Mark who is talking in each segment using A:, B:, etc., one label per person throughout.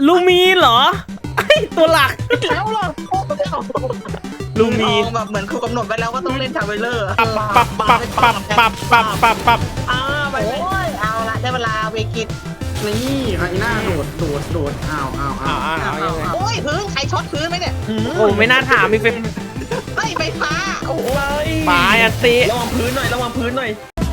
A: ลูมีนเหรอไอตัวหลัก
B: แล้วหรอ
A: ลูมีน
B: แบบเหมือนเขากำหนดไว้แล้วว่าต้องเล่นทาวเวลเลอร์
A: ปับ
B: ไปเลยเอาละได้เวลาเวกิต
C: นี่ไอ้หน้าโดดอ้าว
B: โอ้ยพื้นใครช็อตพื้นไหมเนี่ย
A: โอ้ไม่น่าถามมีเป็น
B: ไล่ไฟฟ้าโอ้โห
A: ปลายอันติ
D: ระวังพื้นหน่อยระวังพื้นหน่อย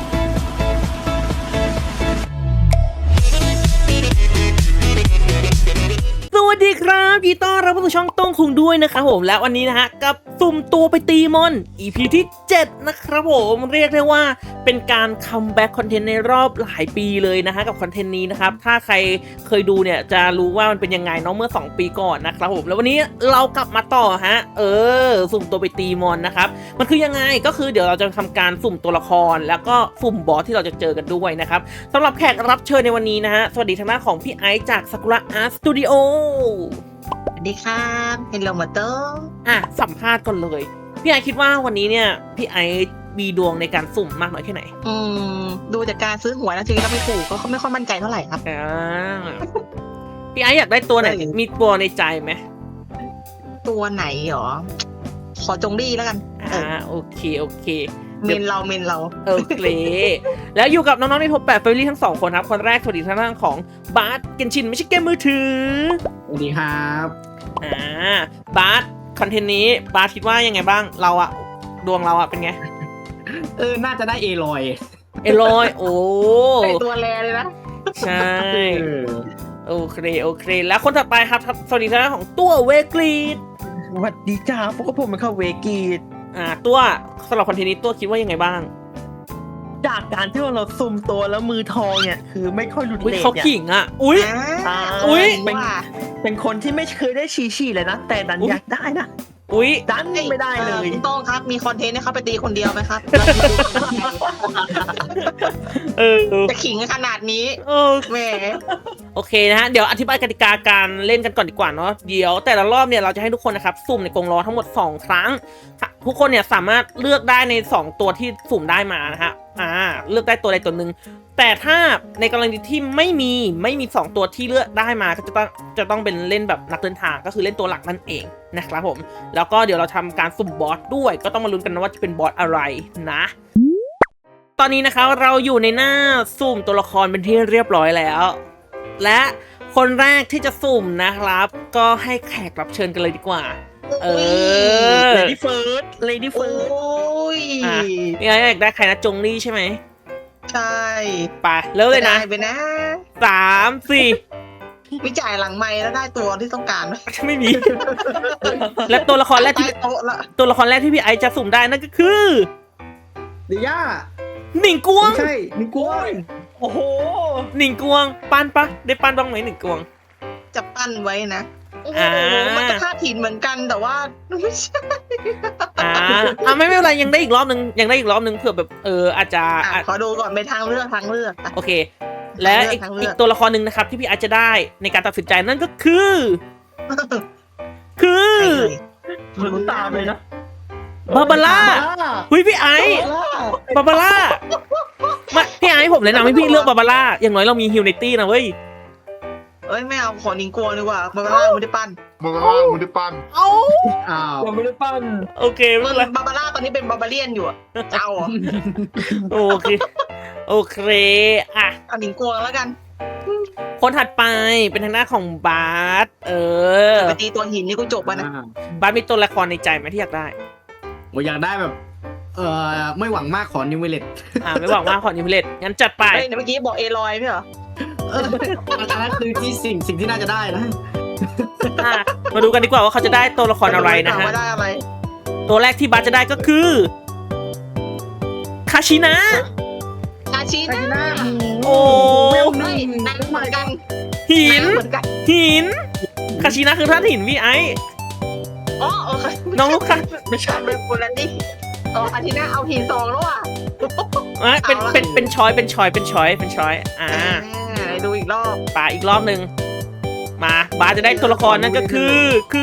A: สวัสดีครับยินดีต้อนรับเข้าสู่ช่องต้องคุงด้วยนะครับผมและวันนี้นะฮะกับสุ่มตัวไปตีมอน EP ที่7นะครับผมเรียกได้ว่าเป็นการคัมแบ็กคอนเทนต์ในรอบหลายปีเลยนะฮะกับคอนเทนต์นี้นะครับถ้าใครเคยดูเนี่ยจะรู้ว่ามันเป็นยังไงเนาะเมื่อ2ปีก่อนนะครับผมแล้ววันนี้เรากลับมาต่อฮะสุ่มตัวไปตีมอนนะครับมันคือยังไงก็คือเดี๋ยวเราจะทำการสุ่มตัวละครแล้วก็สุ่มบอสที่เราจะเจอกันด้วยนะครับสำหรับแขกรับเชิญในวันนี้นะฮะสวัสดีทางด้านของพี่ไอซ์จากซากุระอาร์ตสตูดิโอ
B: สวัสดีครับเฮลโลมาโต้
A: สัมภาษณ์ก่อนเลยพี่ไอคิดว่าวันนี้เนี่ยพี่ไอมีดวงในการสุ่มมากน้อยแค่ไหน
B: ดูจากการซื้อหวยแล้วจริงๆแล้วไม่ถูกก็ไม่ค่อยมั่นใจเท่าไหร่ครับ
A: พี่ไออยากได้ตัวไหนมีตัวในใจไหม
B: ตัวไหนหรอขอจงรี่แล้วกัน
A: โอเค
B: เมนเรา
A: โอเคแล้วอยู่กับน้องๆในท็อป8 Family ทั้ง2คนครับคนแรกสวัสดีทางด้านของบาสเกนชินไม่ใช่เกมมือถือ
C: สวัสดีครับ
A: บาสคอนเทนต์นี้บาสคิดว่ายังไงบ้างเราอะดวงเราอะเป็นไง
C: น่าจะได้เอลอย
A: เอลอยโอ้
B: ไอตัวแรเลยนะ
A: ใช่โอเคแล้วคนต่อไปครับสวัสดีทางด้านของตัวเวกรีด
D: สวัสดีจ้าพวกผมเป็นข้าวเวกีด
A: ตัวสำหรับคอนเทนต์นี้ตัวคิดว่ายังไงบ้าง
D: จากการที่ว่าเราซุ่มตัวแล้วมือทองเนี่ยคือไม่ค่อยหลุดเลท
A: เขา
D: เนี่ย
A: ขิงอ่ะอุ้ย
D: เป็นคนที่ไม่เคยได้ชีเลยนะแต่ดันอยากได้นะ
A: อุ้ย
D: ดันไม่ได้เลย
B: ต้องครับมีคอนเทนต์ให้เขาไปตีคนเดียวไหมครับ จะขิงขนาดนี้แหม
A: โอเคนะฮะเดี๋ยวอธิบายกติกาการเล่นกันก่อนดีกว่าเนาะเดี๋ยวแต่ละรอบเนี่ยเราจะให้ทุกคนนะครับสุ่มในกรงล้อทั้งหมด2ครั้งทุกคนเนี่ยสามารถเลือกได้ใน2ตัวที่สุ่มได้มานะฮะเลือกได้ตัวใดตัวหนึ่งแต่ถ้าในกรณีที่ไม่มี2ตัวที่เลือกได้มาก็จะต้องเป็นเล่นแบบนักเดินทางก็คือเล่นตัวหลักนั่นเองนะครับผมแล้วก็เดี๋ยวเราทำการสุ่มบอสด้วยก็ต้องมาลุ้นกันนะว่าจะเป็นบอสอะไรนะตอนนี้นะคะเราอยู่ในหน้าสุ่มตัวละครเป็นที่เรียบร้อยแล้วและคนแรกที่จะสุ่มนะครับก็ให้แขกรับเชิญกันเลยดีกว่า
D: Lady First
B: โอ้ย
A: นี่ไงอยากได้ใครนะจงลี่ใช่ไหม
B: ใช่
A: ไปเริ่มเลยนะ
B: ไปนะ
A: 3-4
B: วิจัยหลังไม้แล้วได้ตัวที่ต้องการ
A: ไม่มี และตัวละครแรกที่พี่ไอซ์จะสุ่มได้นั่นก็คือ
C: เดีย่า
A: หนิงกวง
C: ใช่นิกวน
D: โอ้โห
A: หนิงกวงปั้นปะได้ปั้นบ้างไหมหนิงกวง
B: จะปั้นไว้นะมันจะคาดหินเหมือนกันแต่ว่าไม่ใช่
A: ไม่เป็นไรยังได้อีกรอบนึงเผื่อแบบอาจจะ
B: ขอดูก่อนเป็นทางเลือก
A: โอเคและอีกตัวละครหนึ่งนะครับที่พี่อาจจะได้ในการตัดสินใจนั่นก็คือ
D: ลุ้นตามเลยนะ
A: บาบาร่าพี่ไอบาบาร่ามาพี่ไอผมเลยนะให้พี่เลือกบาบาร่าอย่างน้อยเรามีฮิวไนตี้นะเว้ย
B: ไม่เอาขอนิงกลัวดีกว่าบาบาร่าไม่ได้ปั้น
A: อ้าว
D: ยังไม่ได้ปั้น
A: โอเคไม่เป็นไร
B: บาบาร่าตอนนี้เป็นบาบาเลียนอยู่เอา
A: โอเค
B: เอานิงกลัวแล้วกัน
A: คนถัดไปเป็นทางหน้าของบาส
B: ไปตีตัวหินนี่กูจบป่ะนะ
A: บาสมีตัวละครในใจไหมที่อยากได้
C: อยากได้แบบไม่หวังมากขอนิวเวเลต
A: ไม่หวังมากขอนิวเวเลตงั้นจัดไป
B: เมื่อกี้บอกเอลอยไม่เหรอ
C: อันนั้นคือที่สิ่งที่น่าจะได้นะ
A: มาดูกันดีกว่าว่าเขาจะได้ตัวละครอะไรนะฮะตัวแรกที่บาสจะได้ก็คือคาชินะโอ้
B: ไม่นั่งเหมือนกัน
A: หินคาชินะคือท่านหินพี่ไอน้องลูกค้า
B: ไม่ใช่เป็นคนละดิอาทิตย์หน้าเอาหิน2แล้วอ่ะ
A: เป็นช้อย
B: ดูอีกรอบ
A: ป่าอีกรอบหนึ่งมาบาสจะได้ตัวละครนั่นก็คือ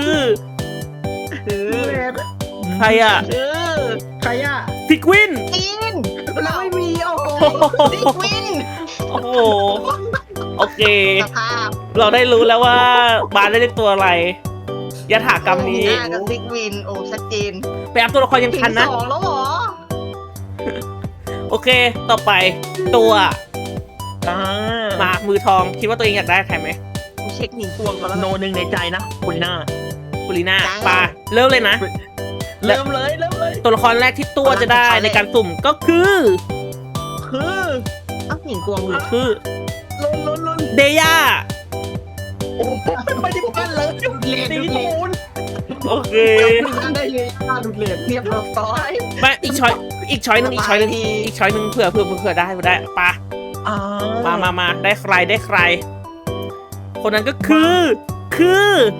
A: ใครอ่ะพิกวิน
B: เราไม่มีพิกวิน
A: โอเคเราได้รู้แล้วว่าบาสได้เล่นตัวอะไรยถากรรมนี้
B: หน้ากับซิกวินโอ้ชัดเจน
A: ไปอัพตัวละครยัง
B: ถึง
A: ทันนะ
B: สองแล้วเหรอ
A: โอเค ต่อไปตัว
D: อ่า
A: มามือทองคิดว่าตัวเองอยากได้ใครไหม
B: กูเช็คหนีกวงก่อนแล้ว
D: โนหนึ่งในใจนะคุณลีน่า
A: กุลิน่าปาเริ่มเลยนะ
D: เริ่มเลย
A: ตัวละครแรกที่ตัวจะได้ในการสุ่มก็คือ
D: คือ
B: อ้าวหนีกวงเลย
A: คือ
D: ลุ้น
A: เดย่า
D: โอ้ไม่ได้ปั้นเลย
B: เลน
D: ตี
B: ดูเล
D: ตู
B: น
D: น
A: โอเค
C: ได้เลยค่าดุดเลน
B: เรียบร้อย
A: ไม่อีกช้อยหนึ่งอีกช้อยหนึ่งเผื่อได้ปา
D: อ่า
A: มาได้ใครได้ใคร คนนั้นก็คือ
B: คือ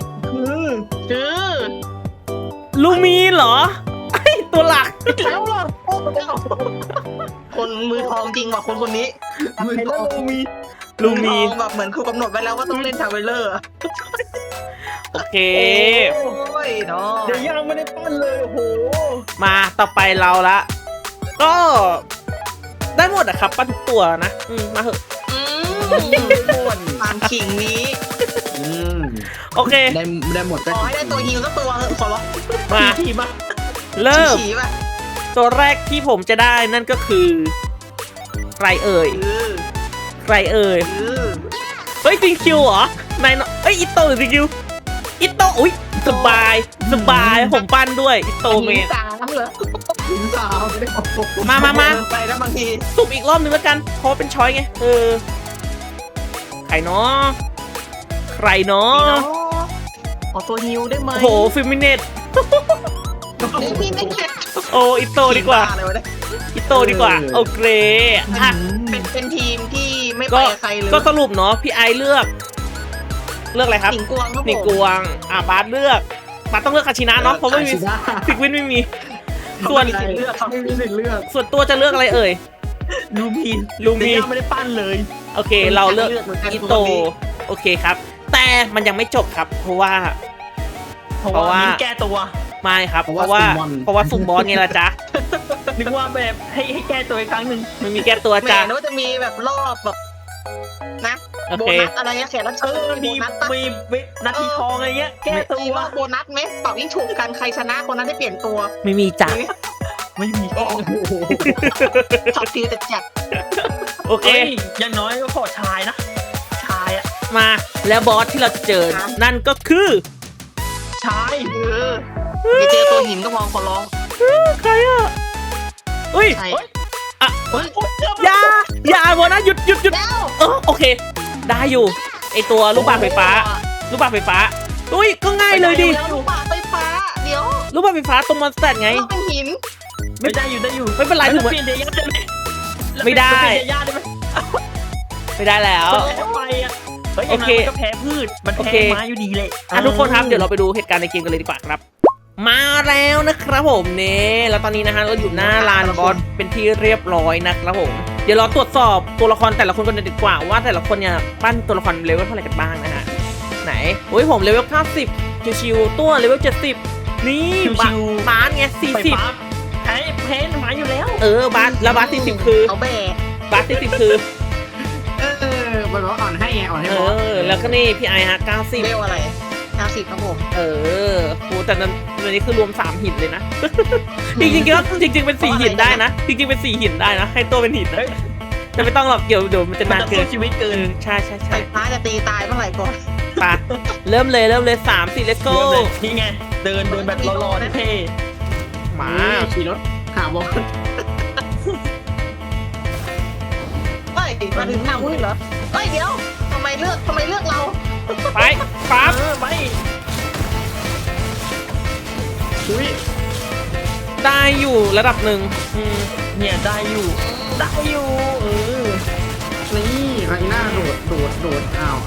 A: ลูมีนเหรอไอตัวหลัก
D: แล้วล่ะโอ้เจ้า
B: คนมือทองจริงว่ะคนนี้
C: มือ
D: ไอ้
C: ท
D: แล้ว
C: อง
D: มี
A: ลูมี
B: ทองแบบเหมือนครูกำหนดไว้แล้วว่าต้องเล่นทาวเวลเลอร์อะ
A: โอเค
B: โอ้ยเนาะ
D: เดี๋ยวยังไม่ได้ปั้นเลยโอ้โห
A: มาต่อไปเราละ ก็ได้หมดอะครับปั้นทุกตัวนะมาเถอะ
B: อืมความขิงนี้
C: อืม
A: โอเค
C: ได้หมด
B: ขอให้ได้ตัวฮิวสักตัวเถอะขอร้อง
A: มา
D: ทีมา
A: เริ่ม
B: ฉี่ๆป่ะ
A: ตัวแรกที่ผมจะได้นั่นก็คือใครเอ่ย
B: คือ
A: ใครเอ่ย
B: คือ
A: เฮ้ยซิงคิวเหรอนายเอ้ยอิโตหรือซิงคิวอิโตอุ้ยสบายผมปั้นด้วยอิโตเมน
B: สามเหรอ
C: ถึงสาวไม่ได้ขอบคุณ
A: มา
B: ไปแล้วบางที
A: สุ่มอีกรอบนึงแล้วกันเพราะเป็นช้อยไงใครเนาะใครเนาะ
B: ขอตัวฮิวได้ไหม
A: โอ้โหฟิมิเนต
B: พี่ไม่เก็บ
A: โอ้อิโตดีกว่า
B: เลยวะเนี่ย
A: อิโตดีกว่าโอเคอ่ะ
B: เป็นทีมที่ไม่ไป
A: ก็
B: กับใครเลย
A: ก็สรุปเนาะพี่ไอเลือกอะไรครับ
B: หนิงกวงครับผม
A: นี่กวงบาสเลือกบาสต้องเลือกคาชินะเนาะเพราะไม่มี
C: ได้
A: ซิกวินไม่มี ส่วน
B: ไม่มีสิทธิ์เลือกครับ
C: ไม่มีสิทธิ์เลือก
A: ส่วนตัวจะเลือกอะไรเอ่ย
D: ลูมี
A: ลูมี
D: เดี๋ยวยังไม่ได้ปั้นเลย
A: โอเค เราเลือก
B: เหมือนกัน
A: อิโตโอเคครับ แต่มันยังไม่จบครับ เพราะว่า
D: เพราะ
A: เพราะว่า
D: ว่ามีแก้ตัว
A: ไม่ครับ เพราะว่าสุ่มบอสไงล่ะจ๊ะ
D: นึกว่าแบบให้แก้ตัวอีกครั้งหนึ่ง
A: มันมีแก้ตัว
B: แหม
A: จ้ะ
B: นึกว่าจะมีแบบรอบแบบนะ
A: โอ
B: โบ
A: เค
B: นัสอะไรเงี้ยแขกรับ
D: เอ
B: เชิญ
D: อ
B: มี
D: มี
B: โบนัสปะ
D: มีนาทีทองอะไรเงี้ยแก้ตั
B: มี
D: ว
B: รอบโบนัสไหมเป่ายิ่งฉุกกันใครชนะคนนั้นได้เปลี่ยนตัว
A: ไม่มีจ้ะ
D: ไม่มี
C: โอ้โห
B: ช็อตฟิวแต่จัด
A: โอเค
D: เอ้ยอย่างน้อยก็ขอชายนะ ชายอะ
A: มาแล้วบอสที่เราจะเจอนั่นก็คือ
D: ชาย
B: อย่าเจอตัวหินก็พอขอร้อง
A: ใครอ่ะอุ้ย
B: ใช่
A: อ่ะ
B: เฮ้ย
A: อย่าบอสนะหยุด
B: แล้ว
A: โอเค ได้อยู่ไอตัวลูกบาศก์ไฟฟ้าอุ้ยก็ง่ายเลยดิ
B: แล้วลูกบาศก์ไฟฟ้าเดี๋ยว
A: ลูกบาศก์ไฟฟ้าตรงมอนสเตอร์ไง
B: เราเป็นหิน
D: ไม่ได้อยู่ได้อยู่
A: ไม่เป็นไรถึงว่า
D: เปลี่ยนเดียร์ได้ไหม
A: ไม่ได้
D: เปลี่ยนเดียร์ได้ไหม
A: ไม่ได้แล้ว
D: แพ้ไปอะเฮ้ย
A: โอเค
D: มันก็แพ้พืชมัน
A: โอ
D: แพ้
A: เค
D: ไม้อยู่ดีเลย
A: ทุกคนครับเดี๋ยวเราไปดูเหตุการณ์ในเกมกันเลยดีกว่าครับ มาแล้วนะครับผมเนี่ยแล้วตอนนี้นะฮะเราอยู่หน้าลานบอสเป็นที่เรียบร้อยนะครับผมเดี๋ยวเราตรวจสอบตัวละครแต่ละคนกันดีกว่าว่าแต่ละคนเนี่ยปั้นตัวละครเลเวลเท่าไหร่กันบ้างนะฮะไหนโอ้ยผมเลเวล90ชิวๆตัวเลเวล70นี่บาสไง
D: ไฟฟ้าแพ้ไม้อยู่แล้ว
A: 40บาสแล้วบาส40คือ
B: เขาแบก
A: บาส40คือ
C: มันบอกอ่อนให้ไงอ่อนให้
A: เอบ
C: อส
A: แล้วก็นี่พี่ไอฮะ90
B: เวลอะไร90ครับผม
A: โหแต่นั้นอันนี้คือรวม3หินเลยนะ จริงๆก็จริงๆเป็น4หินได้นะ จริงๆเป็น4หินได้นะ ให้ตัวเป็นหินนะแต่ไม่ต้องหรอกเดี๋ยวมันจะ
D: มัน
A: นาน
D: จะ
A: เกิ
D: สู้
A: น
D: ชีวิตเกิน
A: ใช่
B: ไฟฟ้าจะตีตายเมื่อไหร่ก่อน
A: ไปเริ่มเลย3 4 let's go
D: เริ่มเลยนี่ไงเดินแบบรอๆเท่
A: มา
C: ขี่รถขาบอส
B: เฮ้ยมาถึงทางวิ่งเหรอเฮ้ยเดี๋ยวทำไมเลือกเรา
A: ไปปั๊บ
D: ไป
C: อุ้ย
A: ได้อยู่ระดับหนึ่ง
D: เนี่ยได้อยู่
C: นี่คาริน่าโดดอ้าว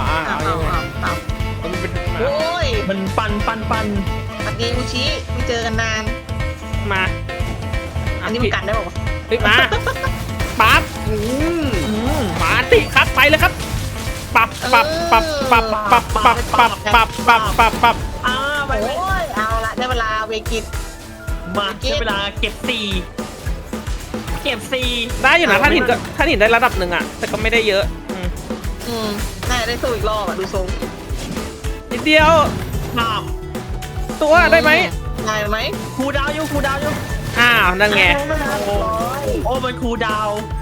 A: มันเป็น
B: โอ้ย
D: มันปัน
B: สวัสดีอุชิไม่เจอกันนาน
A: มา
B: อันนี้มันกันได้ป่าวะ
A: เฮ้ยมาปั๊บมาติครับไปเลยครับปับ
D: ไป
B: โอ้ยเอาละได้เวลาเวกิต
D: มาใช้เวลาเก็บสี่
A: ได้อยู่นะท่านหินได้ระดับหนึ่งอ่ะแต่ก็ไม่ได้เยอะ
B: อืมน่าจะได้สู้อีกรอบอ่ะดูทรง
A: นิดเดียว
D: อ้าว
A: ตัวได้ไหม
B: ได้ไหม
D: ครูดาวอยู่ครูดาวอยู่
A: อ้าวนั่นไง
D: โอ้มันครูดาว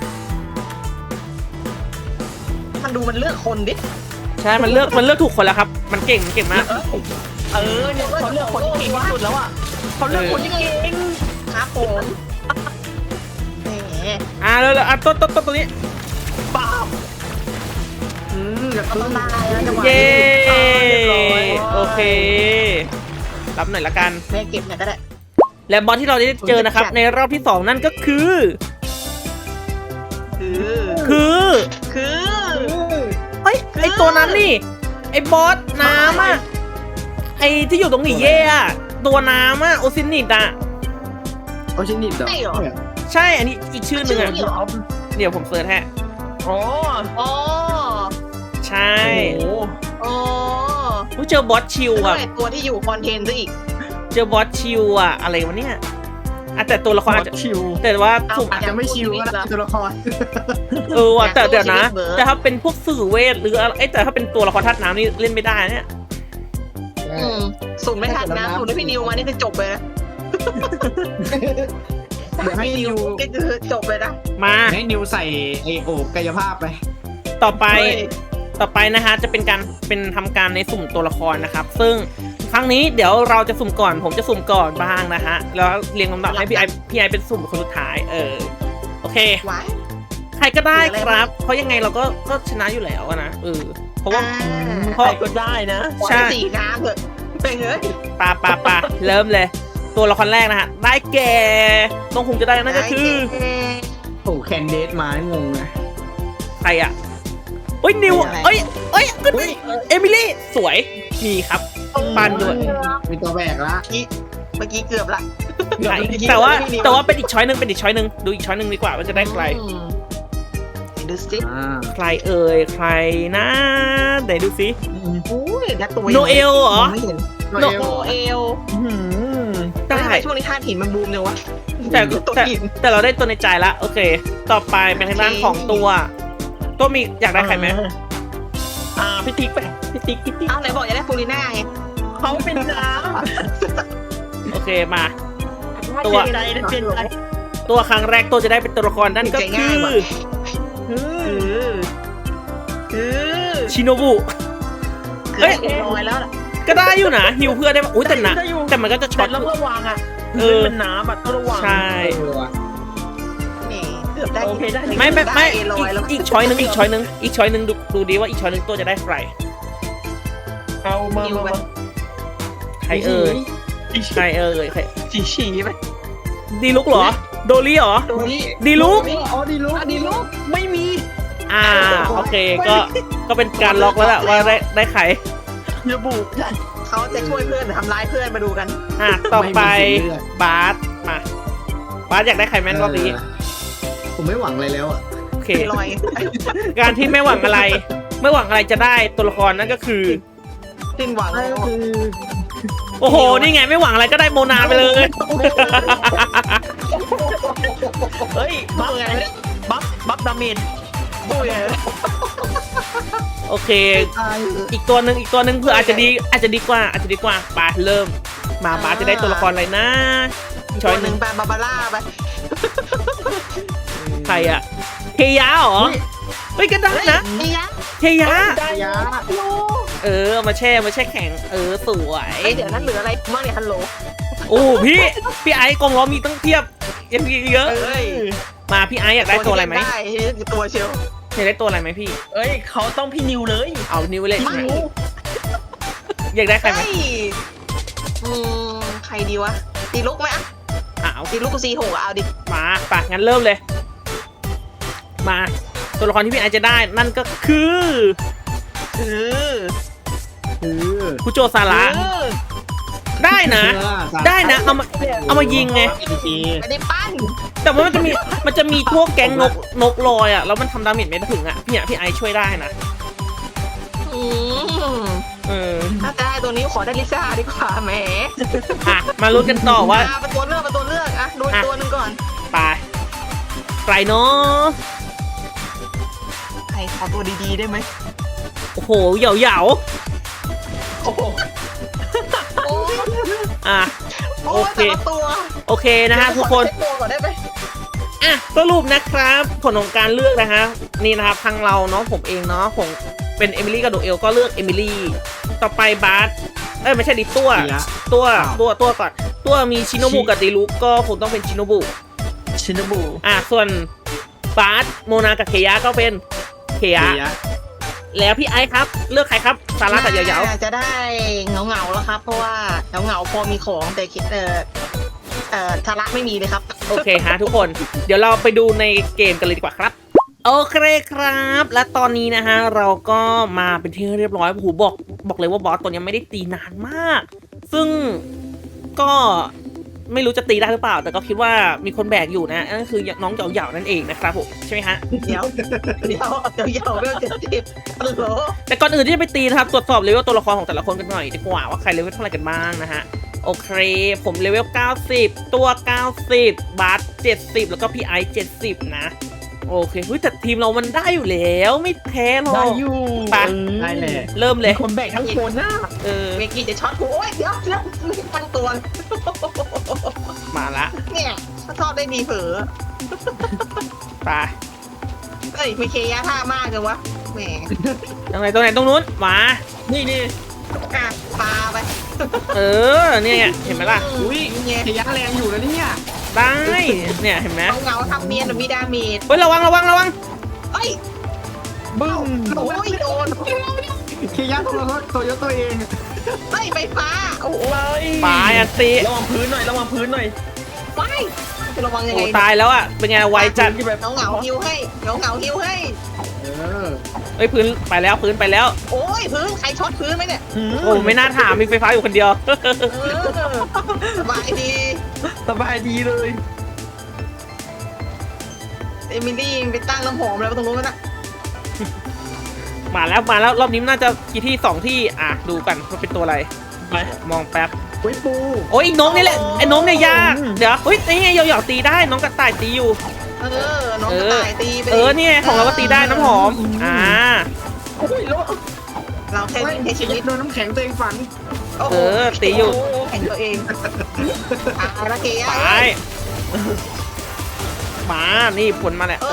B: มันดูมันเลือกคนดิ
A: ใช่มันเลือกถูกคนแล้วครับ มันเก่งมาก
D: เนี่ยเขาเลือกคนที่เก่งที่สุดแล้วอ่ะเขาเลือกคนที่เก่ง
B: ครับผมแหม
A: แล้วตัวนี้
D: ป้าบ
B: แล้วก็ต้องได้แล้วจังหวะ
A: เย้
B: นี้
A: โอเค รับหน่อยละกัน
B: แม่เก็บหน่อยก็ได้
A: และบอสที่เราได้เจอนะครับ ในรอบที่ 2 นั่นก็คือ
B: คือ
A: เฮ้ยไอตัวนั้นนี่ไอบอสน้ำอ่ะไอที่อยู่ตรงหนีเย่อะตัวน้ำอ่ะโอซินิตอ่ะ
C: โอชินิดเหรอ
B: ใช่เหรอ
A: ใช่อันนี้อีกชื่อหนึ่งอ่ะ
B: ชื่อเหรอ
A: เดี๋ยวผมเสิร์ชให้
D: อ๋อ
B: อ๋อ
A: ใช่
D: โอ้
B: อ๋อ
A: ผู้เจอบอสชิว
B: ด้ว
A: อ่ะ
B: ยตัวที่อยู่คอนเทนต์ซะอีก
A: เจอบอสชิวอ่ะอะไรวะเนี่ยแต่ตัวละครอาจจะ
D: ชิว
A: แต่ว่าสุ่ม
C: อาจจะไม่ชิวก็ได้ตัวละคร
A: ว่ะแต่เดี๋ยวนะ
B: อยากสู้ชีวิตเบิร์ด
A: แต่ถ้าเป็นพวกสื่อเวทหรืออะไรแต่ถ้าเป็นตัวละครธาตุน้ำนี่เล่นไม่ได้เนี่ย
B: สุ่มไม่ทันนะสุ่มได้พี่นิวมานี่คือจบเลยนะ
C: เดี๋ยวให้นิว
B: ก็คือจบเลยนะ
A: มา
C: ให้นิวใส่ไอโอบกายภาพไป
A: ต่อไป
B: เฮ้ย
A: ต่อไปนะคะจะเป็นทำการในสุ่มตัวละครนะครับ ซึ่งครั้งนี้เดี๋ยวเราจะสุ่มก่อน ผมจะสุ่มก่อนบ้างนะฮะแล้วเรียงลำดับให้พี่ไอเป็นสุ่มคนสุดท้ายโอเค
B: ไว้
A: ใครก็ได้ครับ เพราะยังไงเราก็ชนะอยู่แล้วอะนะเพราะว่า
D: ใครก็ได้นะ
B: ใช่สีน้ำเถอะเป็นเอ้ย
A: ปาเริ่มเลย ตัวละครแรกนะฮะได้แก่ต้องคงจะได้นั่นก็คือ
C: โอ้แคนเดสมางงนะ
A: ใครอ่ะเอ้ยนิวเอ้ยขึ้นเอมิลี่สวยมีครับปันด้วย
C: มีตัวแบกละ
B: เมื่อกี้เกือบละ
A: ใช่แต่ว่าเป็นอีกช้อยหนึ่งดูอีกช้อยหนึ่งดีกว่าว่าจะได้ใคร
B: ดูสิ
A: ใครเอ่ยใครนะไหนดูสิ
B: อุ้ยนักตัว
A: โนเอลเหรอ
B: ไม่เห็น
C: โน
B: โนเอล
A: ได้
B: ทำไมช่วงนี้ธาตุหินมันบูมเลยวะ
A: แต่
B: ตัว
A: แต่
B: หิน
A: แต่เราได้ตัวในใจละโอเค ต่อไปเป็นทางด้านของตัวมีอยากได้ใครไหม
D: พี่ติ๊กไปพี่ติ๊ก
B: อ้าวไหนบอกจะได้ฟูริน่าไง
D: เขาเป็นน้
A: โอเคมา
D: ำ
A: ตัว
D: เปลี่ยนใจนะเปลี่ยนใจ
A: ตัวครั้งแรกตัวจะได้เป็นตัวละครนั่นก็คือ
B: คือ
A: ชิโนบุ
B: เฮ้ยลอยแล้วล่ะ
A: ก็ได้อยู่นะฮิวเพื่อนได้ปะอุ้ยแต่หนะแต่มันก็จะช็อต
D: แต่ต้องระวังอ่ะ
A: เออ
D: มันน้ำอ่ะต้องระวัง
A: ใช่
B: นี่เกือบได้
D: โอเคได้
A: ไม่
B: ลอยแล้ว
A: อีกช้อยหนึ่งดูดีว่าอีกช้อยหนึ่งตัวจะได้ใคร
D: เอามามา
A: ใครเอ่ยใครใคร
D: ฉี่ไป
A: ดีลุกเหรอ โดลี่เหรอ
B: ตัวนี้
A: ดีลุก
C: อ๋อดีลุก
B: ดีลูก
D: ไม่มี
A: โอเคก็เป็นการล็อกแล้วแหละว่าได้ใคร
D: ระบุ
B: เขาจะช่วยเพื่อนหรือทำร้ายเพื่อนมาดูกัน
A: ต่อไปบาสมาบาสอยากได้ใครแม่นรอบนี้
C: ผมไม่หวังอะไรแล้วอ่ะ
A: โอเค
B: ลอย
A: การที่ไม่หวังอะไรจะได้ตัวละครนั่นก็คือ
B: สิ้นหวังแล้ว
A: โอ้โห นี่ไงไม่หวังอะไรก็ได้โมนาไปเลย
D: เฮ้ยบัฟดาเมจ
B: ดูไง
A: โอเค อีกตัวหนึ่งเพื่ออาจจะดีกว่าไปเริ่มมาบาสจะได้ตัวละครอะไรนะช้อยหนึ่ง
B: ไปบาบาร่าไป
A: ใครอะเฮียะเหรอเฮ้ยก็ได้นะ
B: นี่ยะ
A: เฮียะ
C: ได้ยะ
A: เอามาแช่แข็งสวย
B: เดี๋ยวนั้นเหลืออะไรบ้างเนี่ยฮัลโหล
A: โอ้พี่ไอ้กองล้อมีตั้งเทียบยังมีเยอะ
B: เอ้ย
A: มาพี่ไอ้อยากได้ตัวอะไรไหม
B: ได้ตัวเชียว
A: อยากได้ตัวอะไรไหมพี่
D: เอ้ยเขาต้องพี่นิวเลย
A: เอานิ้วเลยใช่ไหมอยากได้ใครไหม
B: ใครดีวะตีลุกไหมอ่ะ
A: เอา
B: ตีลุกกูซีหกเอาดิ
A: มาปะงั้นเริ่มเลย มาตัวละครที่พี่ไอจะได้นั่นก็คือ คุโจซาระได้นะ เอามายิงไง
B: ไม่ได้ปั้น
A: แต่ว่ามันจะมีพวกแก๊งนกลอยอ่ะแล้วมันทำดาเมจไม่ถึงอ่ะพี่ไอช่วยได้นะ
B: ถ้าจะได้ตัวนี้ขอได้ลิซ่าดีกว่าแหม
A: มาลุ้นกันต่อว่า
B: เป็นตัวเลือกอ่ะดูตัวนึงก่อน
A: ไปไกลเนาะ
B: ใครขอตัวดีๆได้ไหม
A: โอ้โหเหยา
D: โอ้โห
B: โอ้
A: ๆอ่ะ
B: โอ้
A: โอเค
B: แต่ละตัว
A: โอเคนะฮะทุกคน
B: เช็ตัวก่อนได้ไหม
A: อ่ะสรุปนะครับผลของการเลือกนะฮะนี่นะครับทางเราเนาะผมเองเนาะผมเป็นเอมิลี่กับโดเอลก็เลือกเอมิลี่ต่อไปบาสไม่ใช่ดิตัว
C: เสีย
A: ตัว
C: อ้าว
A: ตัวก่อนตัวมีชิโนบุกับดิลุกก็คงต้องเป็นชิโนบุ
D: ชินบุ
A: ส่วนบาสโมนากับเคยะก็เป็นเคยะ
C: เสีย
A: แล้วพี่ไอซ์ครับเลือกใครครับซาร่ากับเหยา
B: น่จะได้เงาแล้วครับ เพราะว่าเงาพอมีของแต่คิดทาระไม่มีเลยครับ
A: โอเคฮะทุกคนเดี๋ยวเราไปดูในเกมกันเลยดีกว่าครับโอเคครับ และตอนนี้นะฮะเราก็มาเป็นที่เรียบร้อยโอ้โหบอกเลยว่าบอสตัวนี้ไม่ได้ตีนานมาก ซึ่งก็ไม่รู้จะตีได้หรือเปล่า แต่ก็คิดว่ามีคนแบกอยู่นะนั่นคือน้องเหยาๆนั่นเองนะครับผมใช่ไหมฮะ
B: เดี๋ยวเรื่องเจ็ดสิบฮัลโหล
A: แต่ก่อนอื่นที่จะไปตีนะครับตรวจสอบเลเวลตัวละครของแต่ละคนกันหน่อยดีกว่าว่าใครเลเวลเท่าไหร่กันบ้างนะฮะโอเคผมเลเวล90ตัว90บาส70แล้วก็พี่ไอซ์70นะโอเคเฮ้ยแต่ทีมเรามันได้อยู่แล้วไม่แพ้หรอก
D: ได้อยู่
A: ไป
C: ได้แหละ
A: เริ่มเลย
D: คนแบกทั้งคนน่ะ
A: เออ
B: เมกี้จะช็อตกูโอ้ยเดี๋ยวตั้งตัว
A: มาละ
B: เนี่ยถ้าทอดได้ดีเผลอ
A: ไป
B: เอ้ยไม่เคยะท่ามากเลยวะแหม
A: ตรงไหนตรงนู้นมา
D: นี่
B: อ่ะปลาไป
A: เออเนี่ยเห็นไหมล่ะ
C: อุ้ย
B: เนี่ย
C: เสียแรงอยู่นะเนี่ย
A: ได้เนี่ยเห็นไหม
B: เงาทำเนียนหรือมีดาเมจ
A: เฮ้ยระวัง
B: เอ้ย
D: บึ้ม
B: โอ้ยโดน
C: เคียร์ตัวเยอะตัวเอง
B: เฮ้ยไฟฟ้าโอ้โห
A: ปลายอันตี
D: ระวังพื้นหน่อยระวังพื้นหน่อย
B: ไปจะระวังยัง
A: โอ้
B: ไง
A: ตายแล้วอ่ะเป็นไงไวจัด
D: ที่แบบ
B: เงาหิวให้เงาหิวให้
C: เออ
A: เฮ้ยพื้นไปแล้วพื้นไปแล้ว
B: โอ้ยพื้นใครช็อตพื้นไหมเนี่ย
A: โอ้ไม่น่าถามมีไฟฟ้าอยู่คนเดียว
B: สบายดี
D: สบายดีเลย
B: เอมิลี่ไปตั้งน้ำหอมแล้วตรงนู้นน่ะ
A: มาแล้วรอบนี้น่าจะกี่ที่2ที่ดูกันว่าเป็นตัวอะไร
D: ไป
A: มองแป๊บ
C: ไว้ปู
A: โอ้ยน้องนี่แหละไอ้น้องเนี่ยยากเดี๋ยวเฮ้ยนี่ไงเหยาๆตีได้น้องกระต่ายตีอยู่
B: น้องกระต่ายตีไป
A: นี่ไงของเราก็ตีได้น้ำหอม
D: โอ้ยแล้ว
B: เราแค่วิ่งแค่ชีวิต
C: โดนน้ำแข็งตัวเองฝัน
A: ตีอยู่
B: แข่งตัวเองละเกีย
A: ไปมานี่ผลมาแหละ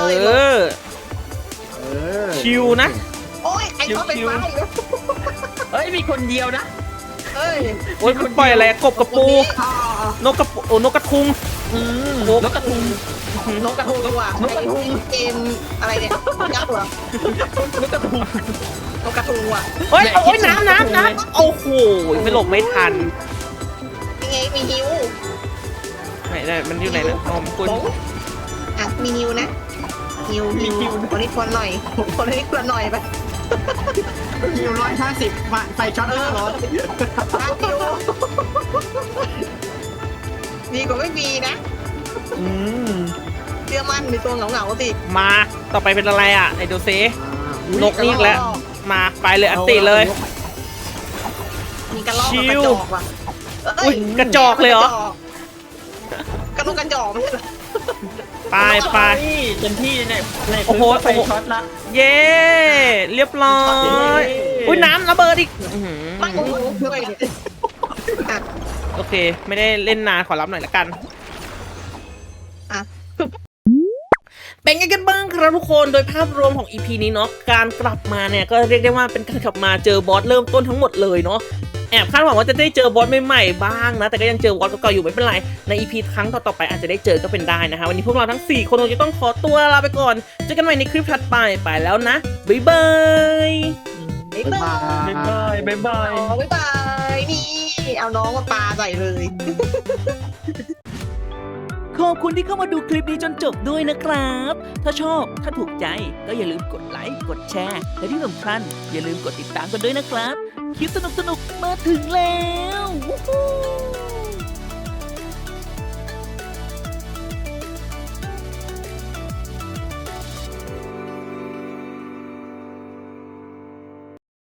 A: ชิวนะ
B: โอ้ยไอ้เขาเป็นไม้แล้ว
D: เฮ้ยมีคนเดียวนะ
B: เอ้ย
A: โอ้ยมันปล่อยอะไรกบกระปูนกกระปูนกกระทุง
D: นกกระทุง
B: นกกระทุงว่ะเกมอะไรเนี่ยยักษ์เหรอน
D: กกระทุง
B: นกกระทุงว่ะ
A: โอ้ยน้ำโอ้โหไม่หลบไม่ทัน
B: ยังไงมีฮิว
A: ไหนมันอยู่ไหนนะอ๋อคุณ
B: อ่ะมีฮิวนะฮิวคนนี้คนหน่อยคนนี้คนหน่อยไป
C: คิว150มาไฟช็อต500
B: ฮิวดีกว่าไม่มีนะเชื่อมั่นในตัวเหงาๆสิ
A: มาต่อไปเป็นอะไรไหนดูซินกนี่อีกแล้วมาไปเลยอันติเลย
B: มีกระรอกกระจอกว่ะ
A: อุ้ยกระจอกเลยเหรอก
B: ระลูกกระจอกไม่ใช่เหรอ
A: ไป
D: เต็มที่เนี่ยใน
A: โอ้โห
D: ไฟช็อตละ
A: เย้เรียบร้อยอุ้ยน้ำระเบิดอีก
B: ไม่โอ้โหด้วยเนี่ยอ่ะ
A: โอเค ไม่ได้เล่นนานขอรับหน่อยละกัน
B: อ่ะ
A: เป็นไงกันบ้างครับทุกคนโดยภาพรวมของ EP นี้เนาะการกลับมาเนี่ยก็เรียกได้ว่าเป็นการกลับมาเจอบอสเริ่มต้นทั้งหมดเลยเนาะแอบคาดหวังว่าจะได้เจอบอสใหม่ๆบ้างนะแต่ก็ยังเจอบอสเก่าๆอยู่ไม่เป็นไรใน EP ครั้งต่อๆไปอาจจะได้เจอก็เป็นได้นะฮะวันนี้พวกเราทั้ง4คนคงจะต้องขอตัวลาไปก่อนเจอกันใหม่ในคลิปถัดไปแล้วนะบ๊ายบาย
B: บ๊ายบาย
D: บ๊ายบาย
B: บ๊ายบายนี่เอาน้องมาปาใส่เลย
A: ขอบคุณที่เข้ามาดูคลิปนี้จนจบด้วยนะครับ ถ้าชอบถ้าถูกใจก็อย่าลืมกดไลค์กดแชร์และที่สำคัญอย่าลืมกดติดตามกันด้วยนะครับคลิปสนุกๆมาถึงแล้ววู้ฮู้